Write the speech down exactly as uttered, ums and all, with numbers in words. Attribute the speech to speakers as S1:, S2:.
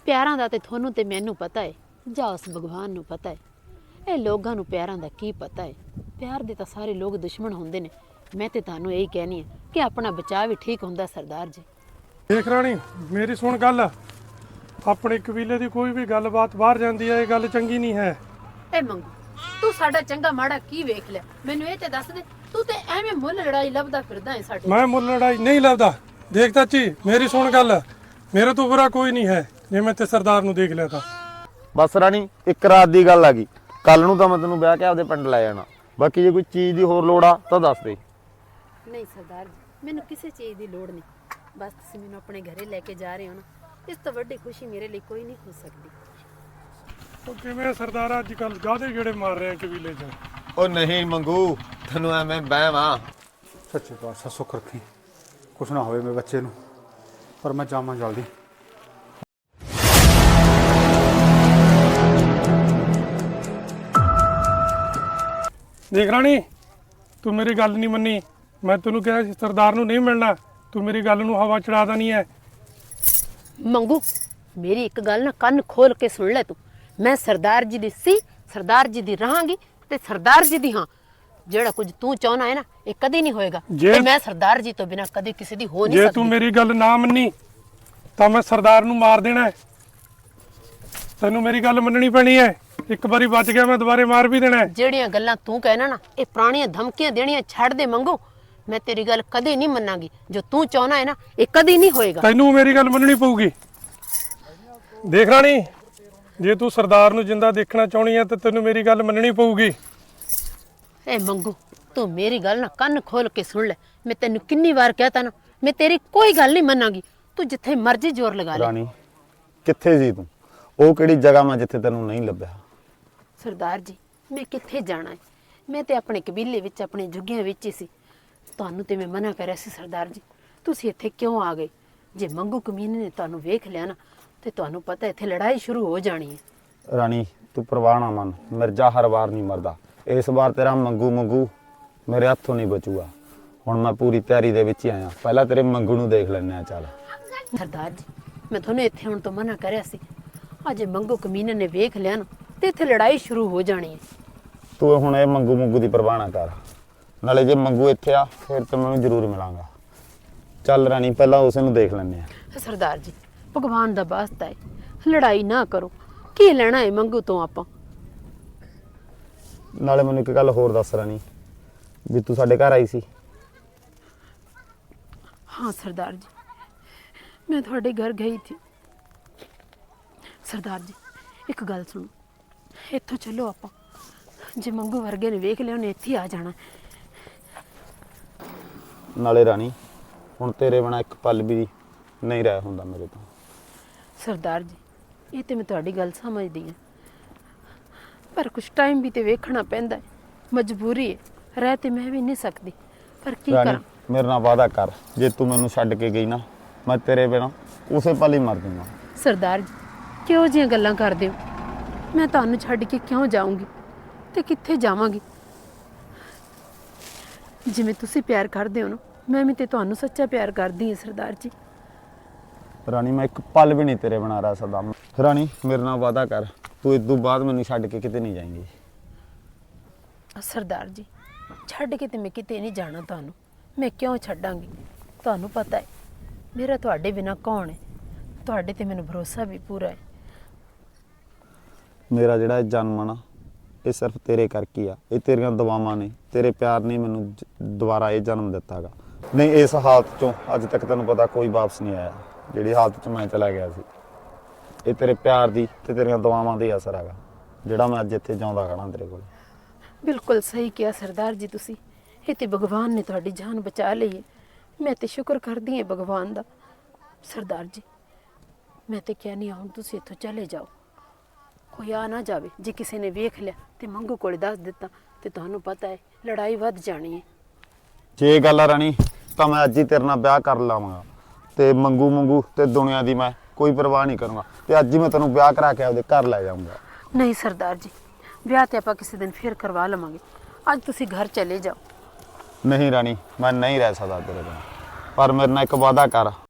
S1: ਪਿਆਰਾਂ ਦਾ ਤੇ ਤੁਹਾਨੂੰ ਤੇ ਮੈਨੂੰ ਪਤਾ ਹੈ, ਜਾਂ ਉਸ ਭਗਵਾਨ ਨੂੰ ਪਤਾ ਹੈ। ਇਹ ਲੋਕਾਂ ਨੂੰ ਪਿਆਰਾਂ ਦਾ ਕੀ ਪਤਾ ਹੈ। ਪਿਆਰ ਦੇ ਤਾਂ ਸਾਰੇ ਲੋਕ ਦੁਸ਼ਮਣ ਹੁੰਦੇ ਨੇ। ਮੈਂ ਤੇ ਤੁਹਾਨੂੰ ਇਹੀ ਕਹਿਣੀ ਹੈ ਕਿ ਆਪਣਾ ਬਚਾਅ ਵੀ ਠੀਕ ਹੁੰਦਾ ਸਰਦਾਰ ਜੀ।
S2: ਦੇਖ ਰਾਣੀ, ਮੇਰੀ ਸੁਣ ਗੱਲ। ਆਪਣੇ ਕਬੀਲੇ ਦੀ ਕੋਈ ਵੀ ਗੱਲਬਾਤ ਬਾਹਰ ਜਾਂਦੀ ਹੈ, ਇਹ ਗੱਲ ਚੰਗੀ ਨਹੀਂ ਹੈ।
S1: ਇਹ ਮੰਗੂ, ਤੂੰ ਸਾਡਾ ਚੰਗਾ ਮਾੜਾ ਕੀ ਵੇਖ ਲਿਆ? ਮੈਨੂੰ ਇਹ ਤੇ ਦੱਸ ਦੇ। ਤੂੰ ਤੇ ਐਵੇਂ ਮੁੱਲ ਲੜਾਈ ਲੱਭਦਾ ਫਿਰਦਾ ਹੈ ਸਾਡੇ।
S2: ਮੈਂ ਮੁੱਲ ਲੜਾਈ ਨਹੀਂ ਲੱਭਦਾ। ਦੇਖ ਚਾਚੀ, ਮੇਰੀ ਸੁਣ ਗੱਲ। ਮੇਰੇ ਤੋਂ ਬੁਰਾ ਕੋਈ ਨਹੀਂ ਹੈ ਜੇ ਮੈਂ ਤੇ ਸਰਦਾਰ ਨੂੰ ਦੇਖ ਲਿਆ ਤਾਂ।
S3: ਬਸ ਰਾਣੀ, ਇੱਕ ਰਾਤ ਦੀ ਗੱਲ ਆ ਗਈ। ਕੱਲ ਨੂੰ ਤਾਂ ਮੈਂ ਤੈਨੂੰ ਵਿਆਹ ਕੇ ਆਪਦੇ ਪਿੰਡ ਲੈ ਜਾਣਾ। ਬਾਕੀ ਜੇ ਕੋਈ ਚੀਜ਼ ਦੀ ਹੋਰ ਲੋੜ ਆ ਤਾਂ ਦੱਸ ਦੇ।
S1: ਨਹੀਂ ਸਰਦਾਰ ਜੀ, ਮੈਨੂੰ ਕਿਸੇ ਚੀਜ਼ ਦੀ ਲੋੜ ਨਹੀਂ। ਬਸ ਤੁਸੀਂ ਮੈਨੂੰ ਆਪਣੇ ਘਰੇ ਲੈ ਕੇ ਜਾ ਰਹੇ ਹੋ ਨਾ, ਇਸ ਤੋਂ ਵੱਡੀ ਖੁਸ਼ੀ ਮੇਰੇ ਲਈ ਕੋਈ ਨਹੀਂ ਹੋ ਸਕਦੀ।
S2: ਉਹ ਕਿਵੇਂ ਸਰਦਾਰ ਅੱਜ ਕੱਲ ਗਾਦੇ ਜਿਹੜੇ ਮਾਰ ਰਹੇ ਆ ਕਬੀਲੇ 'ਚ?
S3: ਉਹ ਨਹੀਂ ਮੰਗੂ, ਤੈਨੂੰ ਐਵੇਂ ਬਹਿਮ ਆ।
S4: ਸੱਚੇ ਪਾਤਸ਼ਾਹ ਸੁੱਖ ਰੱਖੀ, ਕੁਛ ਨਾ ਹੋਵੇ ਮੇਰੇ ਬੱਚੇ ਨੂੰ। ਪਰ ਮੈਂ ਜਾਵਾਂ ਜਲਦੀ।
S2: ਦੇਖ ਰਾਣੀ, ਤੂੰ ਮੇਰੀ ਗੱਲ ਨਹੀਂ ਮੰਨੀ। ਮੈਂ ਤੈਨੂੰ ਕਿਹਾ ਸੀ ਸਰਦਾਰ ਨੂੰ ਨਹੀਂ ਮਿਲਣਾ। ਤੂੰ ਮੇਰੀ ਗੱਲ ਨੂੰ ਹਵਾ ਚੜਾ ਦੇਣੀ ਹੈ।
S1: ਮੰਗੂ, ਮੇਰੀ ਇੱਕ ਗੱਲ ਨਾ ਕੰਨ ਖੋਲ ਕੇ ਸੁਣ ਲੈ ਤੂੰ। ਮੈਂ ਸਰਦਾਰ ਜੀ ਦੀ ਸੀ, ਸਰਦਾਰ ਜੀ ਦੀ ਰਹਾਂਗੀ ਤੇ ਸਰਦਾਰ ਜੀ ਦੀ ਹਾਂ। ਜਿਹੜਾ ਕੁਝ ਤੂੰ ਚਾਹਨਾ ਹੈ ਨਾ, ਇਹ ਕਦੇ ਨਹੀਂ ਹੋਏਗਾ।
S2: ਜੇ-
S1: ਤੇ ਮੈਂ ਸਰਦਾਰ ਜੀ ਤੋਂ ਬਿਨਾ ਕਦੇ ਕਿਸੇ ਦੀ ਹੋ ਨਹੀਂ
S2: ਜੇ
S1: ਸਕਦੀ।
S2: ਤੂੰ ਮੇਰੀ ਗੱਲ ਨਾ ਮੰਨੀ ਤਾਂ ਮੈਂ ਸਰਦਾਰ ਨੂੰ ਮਾਰ ਦੇਣਾ ਹੈ। ਤੈਨੂੰ ਮੇਰੀ ਗੱਲ ਮੰਨਣੀ ਪੈਣੀ ਹੈ। ਇੱਕ ਵਾਰੀ ਬਚ ਗਿਆ, ਮੈਂ ਦੁਬਾਰੇ ਮਾਰ ਵੀ ਦੇਣਾ ਹੈ।
S1: ਜਿਹੜੀਆਂ ਗੱਲਾਂ ਤੂੰ ਕਹਿਣਾ ਨਾ, ਇਹ ਪੁਰਾਣੀਆਂ ਧਮਕੀਆਂ ਦੇਣੀਆਂ ਛੱਡ ਦੇ ਮੰਗੂ। ਮੈਂ ਤੇਰੀ ਗੱਲ ਕਦੇ ਨਹੀਂ ਮੰਨਾਂਗੀ। ਜੋ ਤੂੰ ਚਾਹਨਾ ਹੈ ਨਾ, ਇਹ ਕਦੇ ਨਹੀਂ ਹੋਏਗਾ।
S2: ਤੈਨੂੰ ਮੇਰੀ ਗੱਲ ਮੰਨਣੀ ਪਊਗੀ। ਦੇਖ ਰਾਣੀ, ਜੇ ਤੂੰ ਸਰਦਾਰ ਨੂੰ ਜਿੰਦਾ ਦੇਖਣਾ ਚਾਹਣੀ ਹੈ ਤਾਂ ਤੈਨੂੰ ਮੇਰੀ ਗੱਲ ਮੰਨਣੀ ਪਊਗੀ।
S1: ਏ ਮੰਗੂ, ਤੂੰ ਮੇਰੀ ਗੱਲ ਨਾ ਕੰਨ ਖੋਲ ਕੇ ਸੁਣ ਲੈ। ਮੈਂ ਤੈਨੂੰ ਕਿੰਨੀ ਵਾਰ ਕਹਿਤਾ ਨਾ, ਮੈਂ ਤੇਰੀ ਕੋਈ ਗੱਲ ਨਹੀਂ ਮੰਨਾਂਗੀ। ਤੂੰ ਜਿੱਥੇ ਮਰਜ਼ੀ ਜ਼ੋਰ ਲਗਾ ਲੈ।
S3: ਰਾਣੀ, ਕਿੱਥੇ ਸੀ ਤੂੰ? ਉਹ ਕਿਹੜੀ ਜਗ੍ਹਾ ਮੈਂ ਜਿੱਥੇ ਤੈਨੂੰ ਨਹੀਂ ਲੱਭਿਆ?
S1: ਸਰਦਾਰ ਜੀ, ਮੈਂ ਕਿੱਥੇ ਜਾਣਾ ਹੈ? ਮੈਂ ਤੇ ਆਪਣੇ ਕਬੀਲੇ ਵਿੱਚ, ਆਪਣੇ ਜੁੱਗਿਆਂ ਵਿੱਚ ਹੀ ਸੀ। ਤੁਹਾਨੂੰ ਤੇ ਮੈਂ ਮਨਾ ਕਰਿਆ ਸੀ ਸਰਦਾਰ ਜੀ। ਤੁਸੀਂ ਇੱਥੇ ਕਿਉਂ ਆ ਗਏ? ਜੇ ਮੰਗੂ ਕਮੀਨੇ ਨੇ ਤੁਹਾਨੂੰ ਵੇਖ ਲਿਆ ਨਾ, ਤੇ ਤੁਹਾਨੂੰ ਪਤਾ ਇੱਥੇ ਲੜਾਈ ਸ਼ੁਰੂ ਹੋ ਜਾਣੀ ਹੈ।
S3: ਰਾਣੀ, ਤੂੰ ਪਰਵਾਹ ਨਾ ਮੰਨ। ਮਿਰਜ਼ਾ ਹਰ ਵਾਰ ਨਹੀਂ ਮਰਦਾ। ਇਸ ਵਾਰ ਤੇਰਾ ਮੰਗੂ ਮੰਗੂ ਮੇਰੇ ਹੱਥੋਂ ਨਹੀਂ ਬਚੂਗਾ। ਹੁਣ ਮੈਂ ਪੂਰੀ ਤਿਆਰੀ ਦੇ ਵਿੱਚ ਹੀ ਆਇਆ। ਪਹਿਲਾਂ ਤੇਰੇ ਮੰਗੂ ਨੂੰ ਦੇਖ ਲੈਂਦੇ ਆ। ਚੱਲ
S1: ਸਰਦਾਰ ਜੀ, ਮੈਂ ਤੁਹਾਨੂੰ ਇੱਥੇ ਹੁਣ ਤੋਂ ਮਨਾ ਕਰਿਆ ਸੀ। ਅਜੇ ਮੰਗੂ ਕਮੀਨੇ ਨੇ ਵੇਖ ਲਿਆ ਨਾ, ਤੇ ਇੱਥੇ ਲੜਾਈ ਸ਼ੁਰੂ ਹੋ ਜਾਣੀ ਹੈ।
S3: ਤੂੰ ਹੁਣ ਇਹ ਮੰਗੂ ਮੰਗੂ ਦੀ ਪਰਵਾਹ ਨਾ ਕਰ। ਨਾਲੇ ਜੇ ਮੰਗੂ ਇੱਥੇ ਆ ਫਿਰ ਤੇ ਮੈਨੂੰ ਜ਼ਰੂਰ ਮਿਲਾਂਗਾ। ਚੱਲ ਰਾਣੀ, ਪਹਿਲਾਂ ਉਸ ਨੂੰ ਦੇਖ ਲੈਂਦੇ ਆ।
S1: ਸਰਦਾਰ ਜੀ, ਭਗਵਾਨ ਦਾ ਵਾਸਤਾ ਹੈ, ਲੜਾਈ ਨਾ ਕਰੋ। ਕੀ ਲੈਣਾ ਹੈ ਮੰਗੂ ਤੋਂ ਆਪਾਂ?
S3: ਨਾਲੇ ਮੈਨੂੰ ਇੱਕ ਗੱਲ ਹੋਰ ਦੱਸ ਰਾਣੀ, ਵੀ ਤੂੰ ਸਾਡੇ ਘਰ ਆਈ ਸੀ?
S1: हाँ सरदार जी, मैं थोड़े घर गई थी। सरदार जी, एक गल सुनो, इत्थों चलो आप। जे मंगू वर्गे ने वेख लिया, उन्हें इत्थे ही आ जाना।
S3: नाले रानी, हुण तेरे बिना एक पल भी नहीं रह हुंदा मेरे तो।
S1: सरदार जी, ये तो मैं तुहाडी गल समझदी हां, पर कुछ टाइम भी तो वेखना पैंदा है। मजबूरी है, रह ते मैं भी नहीं सकती, पर की
S3: रानी,
S1: करा?
S3: मेरे नाल वादा कर, जे तू मैनू छड्ड के गई ना, मैं तेरे बिना उसे पल ही मर दूंगा।
S1: सरदार जी, क्यों जिहियां गल्लां करदे हो? मैं तुहानू छड्ड के क्यों जाऊंगी ते कित्थे जावांगी? जिवें तुसीं प्यार करदे हो ना, मैं भी ते तुहानू सच्चा प्यार करदी हां सरदार जी।
S3: रानी, मैं एक पल भी नहीं तेरे बिना रह सकदा। रानी, मेरे नाल वादा कर, तू इस तों बाद मैनू छड्ड के किते नहीं जाएंगी।
S1: सरदार जी, छड्ड के ते मैं किते नहीं जाना तुहानू। मैं क्यों छड्डांगी? तुहानू पता है मेरा तुहाडे बिना कौन है। तुहाडे ते मैनू भरोसा भी पूरा है।
S3: मेरा जिहड़ा जन्म आ ना, ये सिर्फ तेरे करके ही आ। ये तेरियां दुआवां ने, तेरे प्यार ने मैनू दोबारा ये जन्म दिता गा। नहीं इस हालत चों अज तक तैनूं पता कोई वापस नहीं आया। जिहड़ी हालत च मैं चला गया सी, ये तेरे प्यार दी ते तेरियां दुआवां दा ही असर हैगा, जिहड़ा मैं अज इत्थे जिउंदा खड़ा तेरे कोल।
S1: बिल्कुल सही किया सरदार जी तुसी। ये ते भगवान ने तुहाडी जान बचा ली है। मैं ते शुक्र करदी हां भगवान दा। सरदार जी, मैं ते कहनी हुण तुसी इत्थों चले जाओ। कोई आ ना जावे। जे किसी ने वेख लिया ते मंगू कोल दस दिता ते तुहानू पता है लड़ाई वध जानी है।
S3: जे गल आ रानी, तां मैं अज ही तेरे नाल ब्याह कर लावांगा ते मंगू मंगू ते दुनिया दी मैं कोई परवाह नहीं करूँगा ते अज ही मैं तैनूं ब्याह करा के आपदे घर लै जाऊँगा।
S1: नहीं सरदार जी, ब्याह ते आपां किसी दिन फिर करवा लवांगे। अज तुसी घर चले जाओ।
S3: नहीं रानी, मैं नहीं रह सकदा तेरे बिना, पर मेरे नाल एक वादा कर,